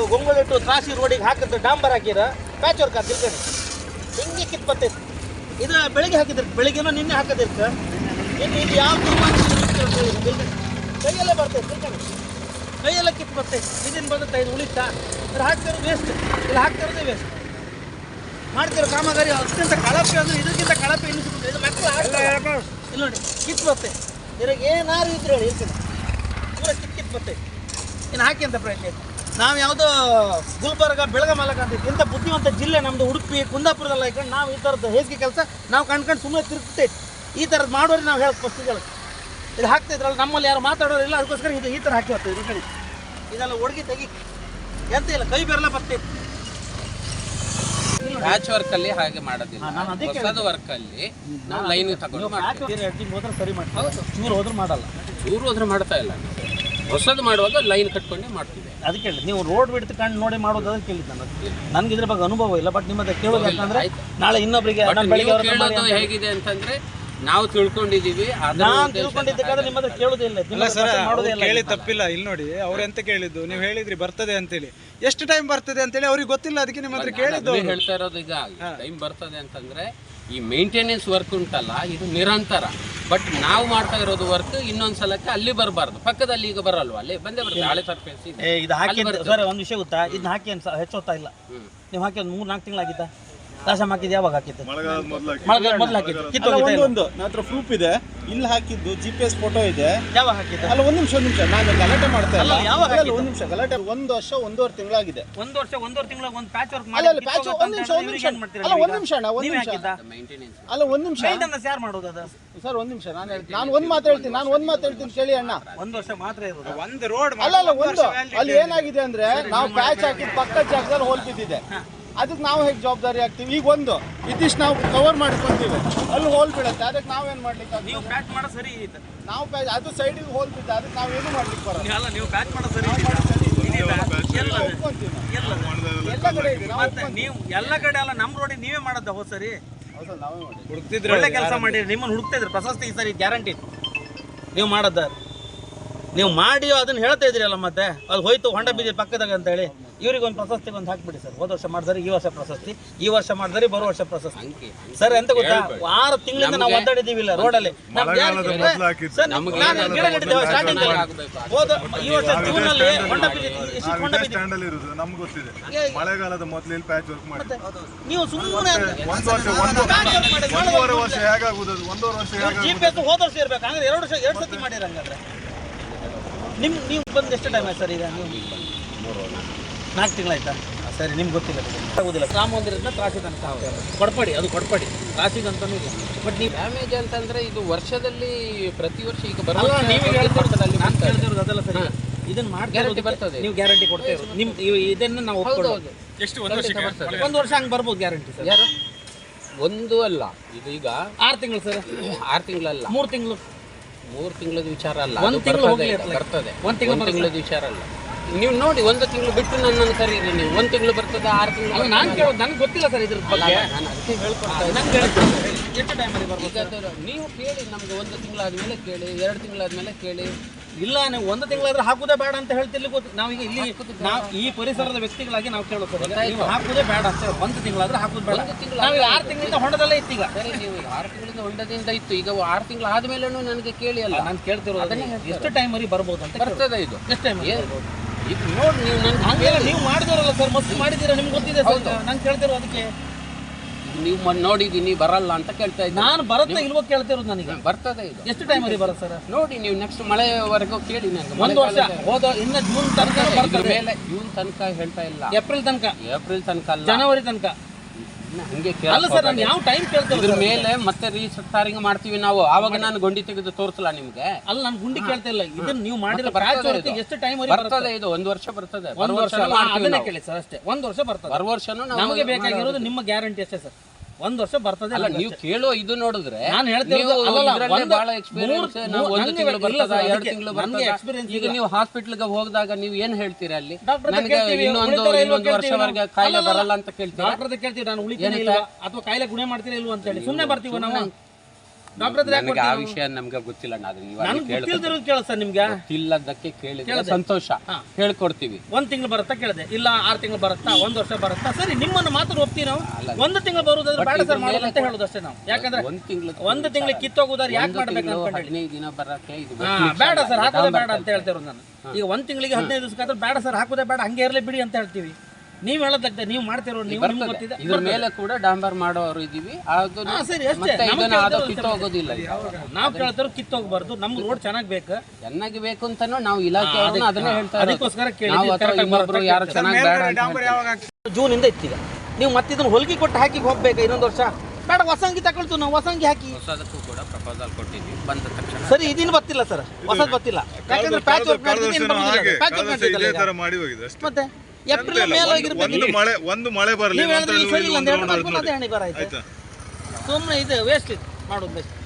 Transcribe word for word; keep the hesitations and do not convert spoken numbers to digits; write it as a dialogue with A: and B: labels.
A: ಗೊಂಗೊಳಿಟ್ಟು ತ್ರಾಸಿ ರೋಡಿಗೆ ಹಾಕಿದ್ರೆ ಡಾಂಬರ್ ಹಾಕಿರ patch work ಅಂತ ತಿಳ್ಕೊಂಡು ಹಿಂಗೆ ಕಿತ್ ಬರ್ತೈತೆ. ಇದು ಬೆಳಿಗ್ಗೆ ಹಾಕಿದ್ರೆ ಬೆಳಿಗ್ಗೆನೋ ನಿನ್ನೆ ಹಾಕೋದಿರ್ತ ಇನ್ನು ಇದು ಯಾವ ಕೈಯಲ್ಲೇ ಬರ್ತೈತೆ ತಿಳ್ಕೊಂಡು ಕೈಯೆಲ್ಲ ಕಿತ್ ಬರ್ತೈತೆ. ಇದನ್ನು ಬರುತ್ತೆ ಇದು ಉಳಿತಾ ಇದ್ರ ಹಾಕ್ತಿರೋದು ವೇಸ್ಟ್, ಇಲ್ಲಿ ಹಾಕ್ತಿರೋದೇ ವೇಸ್ಟ್. ಮಾಡ್ತಿರೋ ಕಾಮಗಾರಿ ಅತ್ಯಂತ ಕಳಪೆ ಅಂದರೆ ಇದಕ್ಕಿಂತ ಕಳಪೆ ಎನಿಸ್ಬಿಟ್ಟು ಇದು ಮಕ್ಕಳು ಹಾಕ್ತಾರೆ ಇಲ್ಲಿ ನೋಡಿ ಕಿತ್ ಬರ್ತೈತೆ. ಇದ್ರಾಗ ಏನಾರು ಇದ್ರೆ ಹೇಳಿ ಇರ್ತೀನಿ ಪೂರ ಕಿತ್ ಕಿತ್ ಬರ್ತೈತೆ. ಇನ್ನು ಹಾಕಿ ಅಂತ ಪ್ರಯತ್ನ ನಾವು ಯಾವುದೋ ಗುಲ್ಬರ್ಗ ಬೆಳಗಾಮಲಕ ಅಂತ ಇಂಥ ಬುದ್ಧಿವಂತ ಜಿಲ್ಲೆ ನಮ್ಮದು ಉಡುಪಿ ಕುಂದಾಪುರದಲ್ಲಿ ಹಾಕೊಂಡು ನಾವು ಈ ಥರದ್ದು ಹೇಸಿಗೆ ಕೆಲಸ ನಾವು ಕಂಡ್ಕೊಂಡು ಸುಮ್ಮನೆ ತಿರುಗ್ತೈತೆ. ಈ ಥರದ್ದು ಮಾಡೋರು ನಾವು ಹೇಳೋದು ಫಸ್ಟಿಗೆ ಇದು ಹಾಕ್ತಿದ್ರಲ್ಲ ನಮ್ಮಲ್ಲಿ ಯಾರು ಮಾತಾಡೋರಿಲ್ಲ, ಅದಕ್ಕೋಸ್ಕರ ಇದು ಈ ಥರ ಹಾಕಿ ಹೋಗ್ತದೆ. ಇದು ಕಡೆ ಇದೆಲ್ಲ ಒಡಗಿ ತೆಗಿ ಎಂತ ಇಲ್ಲ ಕೈ ಬೆರಲ ಬರ್ತೈತೆ.
B: ಪ್ಯಾಚ್ ವರ್ಕ್ ಅಲ್ಲಿ ಹಾಗೆ ಮಾಡೋದಿಲ್ಲ, ಹೊಸದು ವರ್ಕ್ ಅಲ್ಲಿ ನಾವು ಲೈನ್ ತಗೊಂಡು
A: ಹೋದ್ರೆ ಸರಿ ಮಾಡ್ತೀವಿ, ಚೂರು ಹೋದ್ರೆ ಮಾಡಲ್ಲ,
B: ಚೂರು ಹೋದ್ರೆ ಮಾಡ್ತಾ ಇಲ್ಲ. ಹೊಸದು ಮಾಡುವಾಗ ಲೈನ್ ಕಟ್ಕೊಂಡೇ ಮಾಡ್ತೀವಿ.
A: ಅದಕ್ಕೆ ಹೇಳಿ ನೀವು ರೋಡ್ ಬಿಡ್ತು ಕಂಡು ನೋಡಿ ಮಾಡೋದು ಅದಕ್ಕೆ ಕೇಳಿದ್ದು ನಾನು. ನನಗೆ ಇದ್ರ ಬಗ್ಗೆ ಅನುಭವ ಇಲ್ಲ, ಬಟ್ ನಿಮ್ಮದ ಕೇಳೋದು ಯಾಕಂದ್ರೆ ನಾಳೆ ಇನ್ನೊಬ್ಬರಿಗೆ
B: ಹೇಗಿದೆ ಅಂತಂದ್ರೆ ನಾವು ತಿಳ್ಕೊಂಡಿದೀವಿ,
A: ನಾನು ತಿಳ್ಕೊಂಡಿದ್ದಕ್ಕಾದ್ರೆ ನಿಮ್ಮ ಹತ್ರ ಕೇಳೋದೇ ಇಲ್ಲ.
C: ಕೇಳಿ ತಪ್ಪಿಲ್ಲ. ಇಲ್ಲಿ ನೋಡಿ ಅವ್ರು ಎಂತ ಕೇಳಿದ್ದು, ನೀವು ಹೇಳಿದ್ರಿ ಬರ್ತದೆ ಅಂತೇಳಿ, ಎಷ್ಟು ಟೈಮ್ ಬರ್ತದೆ ಅಂತೇಳಿ ಅವ್ರಿಗೆ ಗೊತ್ತಿಲ್ಲ, ಅದಕ್ಕೆ ನಿಮ್ಮ ಹತ್ರ ಕೇಳಿದ್ದು.
B: ಹೇಳ್ತಾ ಇರೋದು ಈಗ ಟೈಮ್ ಬರ್ತದೆ ಅಂತಂದ್ರೆ ಈ ಮೇಂಟೆನೆನ್ಸ್ ವರ್ಕ್ ಉಂಟಲ್ಲ ಇದು ನಿರಂತರ. ಬಟ್ ನಾವು ಮಾಡ್ತಾ ಇರೋದು ವರ್ಕ್ ಇನ್ನೊಂದ್ ಸಲಕ್ಕೆ ಅಲ್ಲಿ ಬರಬಾರ್ದು, ಪಕ್ಕದಲ್ಲಿ ಈಗ ಬರಲ್ವಾ, ಅಲ್ಲಿ ಬಂದೇ ಬರ್ತದೆ. ಹಳೆ ಸರ್ಫೇಸ್
A: ಇದು ಹಾಕಿ ಸರ್ ಒಂದು ವಿಷಯ ಗೊತ್ತಾ, ಇದನ್ನ ಹಾಕಿ ಅನ್ಸ ಹೆಚ್ಚೋತ್ತಾ ಇಲ್ಲ. ನೀವು ಹಾಕಿ ಒಂದು ಮೂರು ನಾಲ್ಕು ತಿಂಗಳಾಗಿದ್ದ ರಾಶಮ್ ಹಾಕಿದ್ದು ಯಾವಾಗ ಹಾಕಿತ್ತು? ಮಳೆಗಾಲ ಮೊದಲು ಹಾಕಿದ್ದು.
C: ಒಂದು ನನ್ನ ಪ್ರೂಫ್ ಇದೆ, ಇಲ್ಲಿ ಹಾಕಿದ್ದು ಜಿ ಪಿ ಎಸ್ ಫೋಟೋ ಇದೆ.
A: ಯಾವಾಗ ಹಾಕಿದ್ದು?
C: ಅಲ್ಲ ಒಂದು ನಿಮಿಷ ಒಂದು ನಿಮಿಷ ನಾನು ಗಲಾಟೆ ಮಾಡ್ತಾ ಇಲ್ಲ.
A: ಯಾವಾಗ
C: ಒಂದು ನಿಮಿಷ ಗಲಾಟೆ. ಒಂದು ವರ್ಷ ಒಂದೂವರೆ ತಿಂಗಳಾಗಿದೆ.
A: ಒಂದು ವರ್ಷ ಒಂದೂವರೆ ತಿಂಗಳ ಒಂದು ಪ್ಯಾಚ್ ವರ್ಕ್
C: ಮಾಡಿ. ಅಲ್ಲ ಪ್ಯಾಚ್ ಒಂದು ನಿಮಿಷ ಒಂದು ನಿಮಿಷ ಅಲ್ಲ ಒಂದು ನಿಮಿಷ ಅಣ್ಣ ಒಂದು ನಿಮಿಷ ಅಲ್ಲ ಒಂದು ನಿಮಿಷ
A: ಮೇಂಟೆನೆನ್ಸ್ ಯಾರು ಮಾಡೋದು ಅದು?
C: ಸರ್ ಒಂದು ನಿಮಿಷ ನಾನು ಹೇಳ್ತೀನಿ, ನಾನು ಒಂದು ಮಾತು ಹೇಳ್ತೀನಿ ನಾನು ಒಂದು ಮಾತು ಹೇಳ್ತೀನಿ ಕೇಳಿ ಅಣ್ಣ.
A: ಒಂದು ವರ್ಷ ಮಾತ್ರ ಇರೋದು
C: ಒಂದು ರೋಡ್ ಅಲ್ಲ ಅಲ್ಲ ಒಂದು ಅಲ್ಲಿ ಏನಾಗಿದೆ ಅಂದ್ರೆ ನಾವು ಪ್ಯಾಚ್ ಹಾಕಿದ ಪಕ್ಕದ ಜಾಗದಲ್ಲಿ ಹೋಲ್ ಬಿದ್ದಿದೆ, ಅದಕ್ಕೆ ನಾವು ಹೇಗೆ ಜವಾಬ್ದಾರಿ ಆಗ್ತೀವಿ? ಈಗ ಒಂದು ಇದಿಷ್ಟು ನಾವು ಕವರ್ ಮಾಡ್ಕೊಂತೀವಿ, ಅಲ್ಲಿ ಹೋಲ್ ಬೀಳುತ್ತೆ, ಅದಕ್ಕೆ ನಾವೇನು ಮಾಡ್ಲಿಕ್ಕೆ?
A: ನೀವು ಪ್ಯಾಚ್ ಮಾಡೋ ಸರಿ ಇದೆ,
C: ನಾವು ಪ್ಯಾಚ್ ಅದು ಸೈಡಿಗೆ ಹೋಲ್ ಬಿದ್ದ, ಅದಕ್ಕೆ ನಾವೇನು ಮಾಡ್ಲಿಕ್ಕೆ ಬರೋಲ್ಲ.
A: ಅಲ್ಲ ನೀವು ಪ್ಯಾಚ್ ಮಾಡೋ ಸರಿ
C: ಎಲ್ಲ ಕಡೆ ಇದೆ.
A: ಮತ್ತೆ ನೀವು ಎಲ್ಲ ಕಡೆ ಅಲ್ಲ, ನಮ್ಮ ರೋಡಿಗೆ ನೀವೇ ಮಾಡೋದು ಹೋದ್ ಸರಿ
C: ನಾವೇ ಮಾಡಿ
A: ಹುಡುಕ್ತಿದ್ರೆ ಒಳ್ಳೆ ಕೆಲಸ ಮಾಡಿರಿ, ನಿಮ್ಮನ್ನು ಹುಡುಕ್ತಿದ್ರು ಪ್ರಶಸ್ತಿ ಈ ಸರಿ ಗ್ಯಾರಂಟಿ ನೀವು ಮಾಡೋದ. ನೀವು ಮಾಡಿ ಅದನ್ನ ಹೇಳ್ತಾ ಇದ್ರಿ ಅಲ್ಲ, ಮತ್ತೆ ಅದು ಹೋಯ್ತು ಹೊಂಡ ಬೀದಿ ಪಕ್ಕದಾಗ ಅಂತ ಹೇಳಿ ಇವ್ರಿಗೆ ಒಂದು ಪ್ರಶಸ್ತಿ ಒಂದು ಹಾಕ್ಬಿಡಿ ಸರ್. ಹೋದ ವರ್ಷ ಮಾಡಿದ್ರೆ ಈ ವರ್ಷ ಪ್ರಶಸ್ತಿ, ಈ ವರ್ಷ ಮಾಡಿದ್ರೆ ಬರೋ ವರ್ಷ ಪ್ರಶಸ್ತಿ. ಸರ್ ಎಂತ ಗೊತ್ತಾ, ಆರು ತಿಂಗಳಿಂದ ನಾವು ಒದ್ದಾಡಿದೀವಿಲ್ಲ ರೋಡಲ್ಲಿ. ಸ್ಟಾರ್ಟಿಂಗ್ ಹೋದ ಈ ವರ್ಷ ಜೂನ್ ಅಲ್ಲಿ ಹೊಂಡ ಬೀದಿ ಹೊಂಡ ಬೀದಿ
D: ನಮ್ಗೆ ಗೊತ್ತಿದೆ. ಮಳೆಗಾಲದ ಮೊದಲು ಪ್ಯಾಚ್ ವರ್ಕ್ ಮಾಡಿ
A: ನೀವು ಸುಮ್ಮನೆ
D: ಒಂದೂವರೆ ವರ್ಷ ಹೇಗಾಗುದು, ಒಂದೂವರೆ ವರ್ಷ
A: ಜಿ ಪಿ ಎಸ್ ಹೋದ ವರ್ಷ ಇರ್ಬೇಕು, ಹಂಗಾದ್ರೆ ಎರಡು ವರ್ಷ ಎರಡು ಸತಿ ಮಾಡಿರ. ಹಂಗಾದ್ರೆ ನಿಮ್ ನೀವು ಬಂದು ಎಷ್ಟು ಟೈಮ್ ಆಯ್ತು ಸರ್? ಈಗ ನೀವು ನಾಲ್ಕು ತಿಂಗಳಾಯ್ತಾ? ಸರಿ, ನಿಮ್ಗೆ ಗೊತ್ತಿಲ್ಲ ಆಗೋದಿಲ್ಲ. ರಾಮ ಮಂದಿರದಿಂದ ತ್ರಾಸಿ ತನಕ ಕೊಡ್ಪಡಿ, ಅದು ಕೊಡ್ಪಡಿ ತ್ರಾಸಿಗಂತನೂ ಇಲ್ಲ. ಬಟ್ ನೀವು
B: ಡ್ಯಾಮೇಜ್ ಅಂತಂದ್ರೆ ಇದು ವರ್ಷದಲ್ಲಿ ಪ್ರತಿ ವರ್ಷ ಈಗ ಬರೋ
A: ಅದೆಲ್ಲ ಸರಿ. ಇದನ್ನ ಮಾಡಿ ಗ್ಯಾರಂಟಿ ಬರ್ತದೆ, ನೀವು ಗ್ಯಾರಂಟಿ ಕೊಡ್ತಾ ಇರೋದು ನಿಮ್ ಇದನ್ನ ನಾವು ಒಪ್ಕೊಳ್ಳೋದು.
B: ಎಷ್ಟು ಒಂದು ವರ್ಷ ಬರ್ತದೆ?
A: ಒಂದು ವರ್ಷ ಹಂಗೆ ಬರ್ಬೋದು ಗ್ಯಾರಂಟಿ ಸರ್.
B: ಯಾರು ಒಂದು ಅಲ್ಲ, ಇದು ಈಗ
A: ಆರು ತಿಂಗಳು ಸರ್.
B: ಆರು ತಿಂಗಳಲ್ಲ,
A: ಮೂರು ತಿಂಗಳು
B: ಮೂರು ತಿಂಗಳದ ವಿಚಾರ ಅಲ್ಲ,
A: ಒಂದು ತಿಂಗಳು
B: ಬರ್ತದೆ. ಒಂದು ತಿಂಗಳದ ವಿಚಾರ ಅಲ್ಲ. ನೀವು ನೋಡಿ ಒಂದು ತಿಂಗಳು ಬಿಟ್ಟು ನನ್ನನ್ನು ಕರೀರಿ, ನೀವು ಒಂದು ತಿಂಗಳು ಬರ್ತದೆ, ಆರು ತಿಂಗಳು.
A: ನಾನು ಕೇಳೋದು ನನಗೆ ಗೊತ್ತಿಲ್ಲ ಸರ್ ಇದ್ರ ಬಗ್ಗೆ,
B: ನಾನು ಅದಕ್ಕೆ ಹೇಳ್ಕೊಡ್ತಾ
A: ಎಷ್ಟು ಟೈಮಲ್ಲಿ ಬರ್ಬೋದು?
B: ನೀವು ಕೇಳಿ, ನಮ್ಗೆ ಒಂದು ತಿಂಗಳಾದ್ಮೇಲೆ ಕೇಳಿ, ಎರಡು ತಿಂಗಳಾದ್ಮೇಲೆ ಕೇಳಿ.
A: ಇಲ್ಲ, ನೀವು ಒಂದು ತಿಂಗಳಾದ್ರೆ ಹಾಕುದೇ ಬೇಡ ಅಂತ ಹೇಳ್ತಿರ್ಲಿ. ಗೊತ್ತು ನಾವೀಗ ಇಲ್ಲಿ ನಾವು ಈ ಪರಿಸರದ ವ್ಯಕ್ತಿಗಳಾಗಿ ನಾವು ಕೇಳೋದು ನೀವು ಹಾಕುದೇ ಬೇಡ ಅಂತ. ಒಂದು ತಿಂಗಳಾದ್ರೆ ಹಾಕುದು ಬೇಡ. ನಾವು ಆರು ತಿಂಗಳಿಂದ ಹೊಂಡದಲ್ಲೇ ಇತ್ತು. ಈಗ
B: ಸರಿ, ನೀವು ಆರು ತಿಂಗಳಿಂದ ಹೊಂಡದಿಂದ ಇತ್ತು, ಈಗ ಆರು ತಿಂಗಳು ಆದ್ಮೇಲೆ ನನಗೆ ಕೇಳಿ ಅಲ್ಲ.
A: ನಾನು ಕೇಳ್ತಿರೋದು ಅದನ್ನೇ, ಎಷ್ಟು ಟೈಮ್ ವರೆಗೆ ಬರ್ಬೋದು ಅಂತ.
B: ಬರ್ತದೆ ಇದು
A: ಎಷ್ಟು ಟೈಮ್
B: ಇದು ನೋಡಿ ನೀವು ನನ್ನ
A: ಹಂಗೆಲ್ಲ ನೀವು ಮಾಡಿದಿರಲ್ಲ ಸರ್, ಮಸ್ತ್ ಮಾಡಿದ್ದೀರಾ, ನಿಮ್ಗೆ ಗೊತ್ತಿದೆ ಸರ್. ನಾನು ಕೇಳ್ತಿರೋ ಅದಕ್ಕೆ
B: ನೀವು ನೋಡಿದೀನಿ ಬರಲ್ಲ ಅಂತ ಕೇಳ್ತಾ ಇದ್ದೀನಿ.
A: ನಾನು ಬರುತ್ತೆ ಇಲ್ವೋ ಕೇಳ್ತಿರೋದು ನನಗೆ.
B: ಬರ್ತದೆ ಇದು
A: ಎಷ್ಟು ಟೈಮ್ ವರೆಗೆ ಬರುತ್ತೆ ಸರ್?
B: ನೋಡಿ ನೀವು ನೆಕ್ಸ್ಟ್ ಮಳೆವರೆಗೂ ಕೇಳಿ. ನನಗೆ
A: ಒಂದು ವರ್ಷ ಹೋದ ಇನ್ನು ಜೂನ್ ತನಕ ಬರ್ತದೆ
B: ಮೇಲೆ, ಜೂನ್ ತನಕ ಹೇಳ್ತಾ ಇಲ್ಲ,
A: ಏಪ್ರಿಲ್ ತನಕ,
B: ಏಪ್ರಿಲ್ ತನಕ ಅಲ್ಲ,
A: ಜನವರಿ ತನಕ.
B: ಹಂಗೆ
A: ಅಲ್ಲ ಸರ್, ನಾನು ಯಾವ ಟೈಮ್ ಕೇಳ್ತೇವೆ
B: ಇದ್ರ ಮೇಲೆ ಮತ್ತೆ ರೀಸರ್ಟಿಂಗ್ ಮಾಡ್ತೀವಿ ನಾವು. ಆವಾಗ ನಾನು ಗುಂಡಿ ತೆಗೆದು ತೋರಿಸಲ್ಲ ನಿಮ್ಗೆ.
A: ಅಲ್ಲ, ನಾನು ಗುಂಡಿ ಕೇಳ್ತಾ ಇಲ್ಲ, ಇದನ್ನ ನೀವು ಮಾಡಿರೋ ಎಷ್ಟು ಟೈಮ್
B: ಬರ್ತದೆ? ಇದು ಒಂದು ವರ್ಷ ಬರ್ತದೆ.
A: ಒಂದು ವರ್ಷ ಅದನ್ನೇ ಕೇಳಿ ಸರ್, ಅಷ್ಟೇ. ಒಂದು ವರ್ಷ ಬರ್ತದೆ.
B: ಬರುವ ವರ್ಷನೂ
A: ನಮಗೆ ಬೇಕಾಗಿರೋದು ನಿಮ್ಮ ಗ್ಯಾರಂಟಿ ಅಷ್ಟೇ ಸರ್. ಒಂದು ವರ್ಷ ಬರ್ತದೆ.
B: ಅಲ್ಲ, ನೀವು ಕೇಳೋ ಇದು ನೋಡಿದ್ರೆ
A: ನಾನು ಹೇಳ್ತಿರೋದು
B: ಬಹಳ ಎಕ್ಸ್ಪೀರಿಯನ್ಸ್. ನಾವು ಒಂದು ತಿಂಗಳು ಬರ್ತದೆ, ಎರಡು ತಿಂಗಳು ಬರ್ತದೆ. ಈಗ ನೀವು ಹಾಸ್ಪಿಟಲ್ಗೆ ಹೋದಾಗ ನೀವು ಏನ್ ಹೇಳ್ತೀರಾ? ಅಲ್ಲಿ ನನಗೆ ಇನ್ನೊಂದು ಇನ್ನೊಂದು ವರ್ಷವರೆಗೆ ಕಾಯಿಲೆ ಬರಲ್ಲ ಅಂತ ಕೇಳ್ತೀರಾ?
A: ಡಾಕ್ಟರ್ ಕೇಳ್ತೀವಿ, ನಾನು ಉಳಿತೀನಿ ಇಲ್ವಾ ಅಥವಾ ಕಾಯಿಲೆ ಗುಣ ಮಾಡ್ತೀರಾ ಇಲ್ವಾ ಅಂತ ಹೇಳಿ. ಸುಮ್ಮನೆ ಬರ್ತೀವಿ ನಾವು. ಡಾಕ್ಟರ್ ಹತ್ರ ಯಾಕೆ
B: ನನಗೆ ಆ
A: ಕೊಡ್ತೀವಿ
B: ವಿಷಯ ನಮ್ಗೆ ಗೊತ್ತಿಲ್ಲ ಅಣ್ಣ. ಅದನ್ನ ಇವಾಗ
A: ನನ್ಗೆ
B: ಕೇಳ್ಕೊತೀವಿ.
A: ಗೊತ್ತಿಲ್ದಿರೋದು ಕೇಳ ಸರ್ ನಿಮ್ಗೆ
B: ಗೊತ್ತಿಲ್ಲದಕ್ಕೆ ಕೇಳಿದ್ರೆ ಸಂತೋಷ, ಹೇಳ್ಕೊಡ್ತೀವಿ.
A: ಒಂದ್ ತಿಂಗಳು ಬರುತ್ತಾ ಕೇಳಿದೆ, ಇಲ್ಲ ಆರು ತಿಂಗಳು ಬರುತ್ತಾ, ಒಂದ್ ವರ್ಷ ಬರುತ್ತಾ, ಸರಿ ನಿಮ್ಮನ್ನು ಮಾತ್ರ ಒಪ್ತೀವಿ ನಾವು. ಒಂದು ತಿಂಗಳು ಬರುವುದಾದ್ರೆ ಬೇಡ ಸರ್ ಮಾಡೋದು ಅಂತ ಹೇಳೋದು ಅಷ್ಟೇ ನಾವು. ಯಾಕಂದ್ರೆ
B: ಒಂದ್ ತಿಂಗಳು
A: ಒಂದು ತಿಂಗಳಿಗೆ ಕಿತ್ತೋಗುದಾರೆ ಯಾಕೆ ಮಾಡ್ಬೇಕು ಅನ್ಕೊಂಡು
B: ಹದಿನೈದು ದಿನ ಬರಕ್ಕೆ ಇದು
A: ಬೇಡ ಸರ್ ಹಾಕೋದೇ ಬೇಡ ಅಂತ ಹೇಳ್ತಿರೋದು ನಾನು. ಈಗ ಒಂದ್ ತಿಂಗಳಿಗೆ ಹದಿನೈದು ದಿವಸಕ್ಕಾದ್ರೆ ಬೇಡ ಸರ್ ಹಾಕೋದೇ ಬೇಡ, ಹಂಗೆ ಇರಲಿ ಬಿಡಿ ಅಂತ ಹೇಳ್ತೀವಿ. ನೀವು ಹೇಳೋದಾಗ್ತದೆ, ನೀವು ಮಾಡ್ತಿರೋ ನೀವು ನಿಮ್ಗೆ ಗೊತ್ತಿದೆ.
B: ಇದ್ರ ಮೇಲೆ ಕೂಡ ಡಾಂಬರ್ ಮಾಡೋರು ಇದೀವಿ. ಅದು
A: ಹಾ, ಸರಿ ಅಷ್ಟೇ.
B: ಮತ್ತೆ
A: ನಮ್ಗೆ
B: ಇದನ್ನ ಅದು
A: ಕೇಳ್ತಿರೋದು
B: ಕಿತ್ತೋಗೋದಿಲ್ಲ.
A: ನಾವು ಕೇಳ್ತಾರೋ ಕಿತ್ತೋಗ್ಬಾರ್ದು, ನಮ್ಗೆ ರೋಡ್ ಚೆನ್ನಾಗಿ ಬೇಕು.
B: ಚೆನ್ನಾಗಿ ಬೇಕು ಅಂತಾನು ನಾವು ಇಲಾಖೆ ಅದನ್ನೇ ಹೇಳ್ತಾ
A: ಅದಕ್ಕೋಸ್ಕರ
B: ನಾವು ಅಥವಾ ಇನ್ನೊಬ್ರು ಯಾರು ಚೆನ್ನಾಗಿ ಬೇಡ ಅಂತ ಹೇಳ್ತಾರೆ.
A: ಜೂನ್ ಇಂದ ಇತ್ತೀಗ ನೀವು ಮತ್ತೆ ಇದನ್ನ ಹೊಲಿಗೆ ಕೊಟ್ಟು ಹಾಕಿ ಹೋಗ್ಬೇಕು ಇನ್ನೊಂದು ವರ್ಷ. ಬೇಡ ಹೊಸಂಗಿ ತಗೊಳ್ತು ನಾವು, ಹೊಸಂಗಿ ಹಾಕಿ.
B: ಹೊಸದಕ್ಕೂ ಕೂಡ ಪ್ರಪೋಸಲ್ ಕೊಟ್ಟಿದ್ವಿ, ಬಂದ ತಕ್ಷಣ
A: ಸರಿ ಇದಿನ ಬರ್ತಿಲ್ಲ ಸರ್, ಹೊಸದ್ ಬರ್ತಿಲ್ಲ. ಯಾಕಂದ್ರೆ ಪ್ಯಾಚ್ ವರ್ಕ್
D: ಇದೇ ತರ ಮಾಡಿ ಹೋಗಿದೆ ಅಷ್ಟೇ.
A: ಮತ್ತೆ ಏಪ್ರಿಲ್ ಮೇಲೆ ಹೋಗಿರ್ಬೇಕು.
D: ಒಂದು ಮಳೆ ಒಂದು ಮಳೆ ಬರಲಿ
A: ನೀವು ಹೇಳಿದ್ರೆ ಸರಿ ಇಲ್ಲ ಅಂತ ಹೇಳ್ಬೇಕು, ಅದೇ ಹಣೆ ಬರ ಆಯ್ತು. ಸುಮ್ಮನೆ ಇದು ವೇಸ್ಟ್ ಇದು ಮಾಡೋದು ಬೆಸ್ಟ್.